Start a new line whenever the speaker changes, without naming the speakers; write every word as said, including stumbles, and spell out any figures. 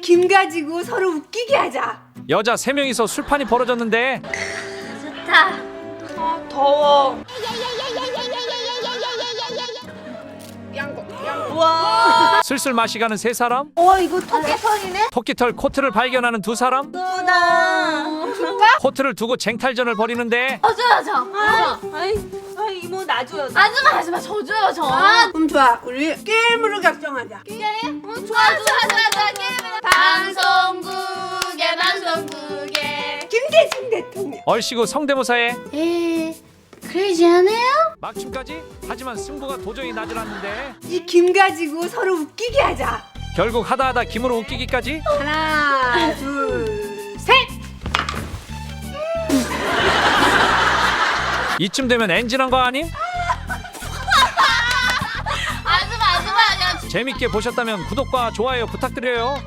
김 가지고 서로 웃기게 하자.
여자 세 명이서 술판이 벌어졌는데
좋다.
아 더워. 와.
슬슬 마시가는 세 사람,
와 이거 토끼털이네.
토끼털 코트를 발견하는 두 사람,
예쁘다.
코트를 두고 쟁탈전을 벌이는데
저 줘요 저.
아, 아이, 아 이모 놔줘요.
아줌마 아줌마 저 줘요 저.
아, 그럼 좋아. 우리 게임으로 결정하자.
게임? 어, 좋아 좋아 좋아 좋아 게임을. 방송국에 방송국에.
김대중 대통령.
얼씨구 성대모사에
에 크레이지하네요.
막춤까지. 하지만 승부가 도저히 나질 않는데
이 김 가지고 서로 웃기게 하자.
결국 하다하다 김으로 웃기기까지.
하나, 둘, 셋.
이쯤 되면 엔진한 거 아님?
아줌마 아줌마 아니야.
재밌게 보셨다면 구독과 좋아요 부탁드려요.